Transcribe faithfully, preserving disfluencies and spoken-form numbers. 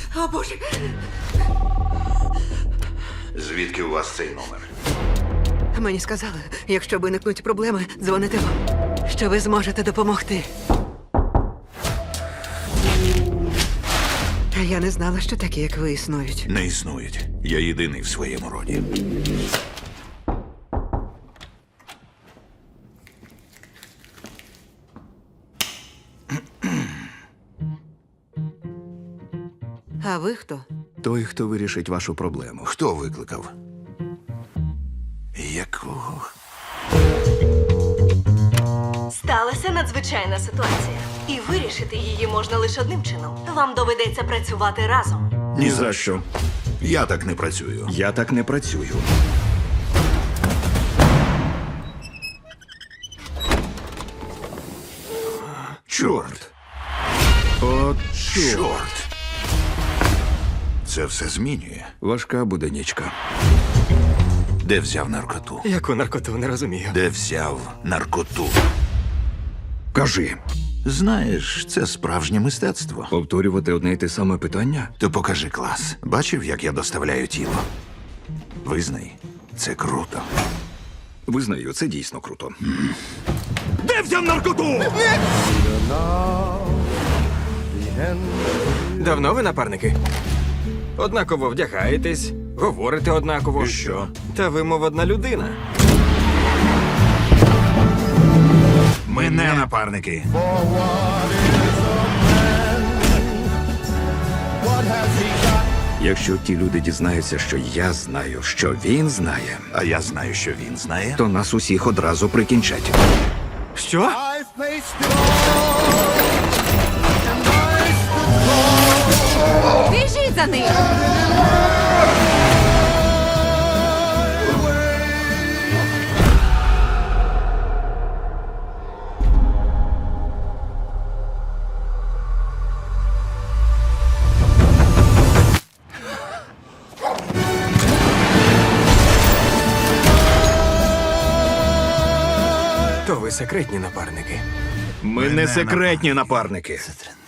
О, Боже! Звідки у вас цей номер? Мені сказали, якщо виникнуть проблеми, дзвоните вам, що ви зможете допомогти. А я не знала, що такі, як ви, існують. Не існують. Я єдиний в своєму роді. А ви хто? Той, хто вирішить вашу проблему. Хто викликав? Якого? Сталася надзвичайна ситуація. І вирішити її можна лише одним чином. Вам доведеться працювати разом. Ні за що. Я так не працюю. Я так не працюю. Чорт. От Чорт. Це все змінює. важка буде нічка. Де взяв наркоту? Яку наркоту, не розумію. Де взяв наркоту? Кажи, Знаєш, це справжнє мистецтво. повторювати одне й те саме питання? То покажи клас. Бачив, як я доставляю тіло? Визнай, це круто. Визнаю, це дійсно круто. Де взяв наркоту? Давно ви напарники? Однаково вдягаєтесь, говорите однаково. І що? Та ви, мов одна людина. Ми не напарники. Якщо ті люди дізнаються, що я знаю, що він знає, А я знаю, що він знає. то нас усіх одразу прикінчать. Що? Біжіть за ним! То ви секретні напарники. Ми, Ми не не секретні напарники. Це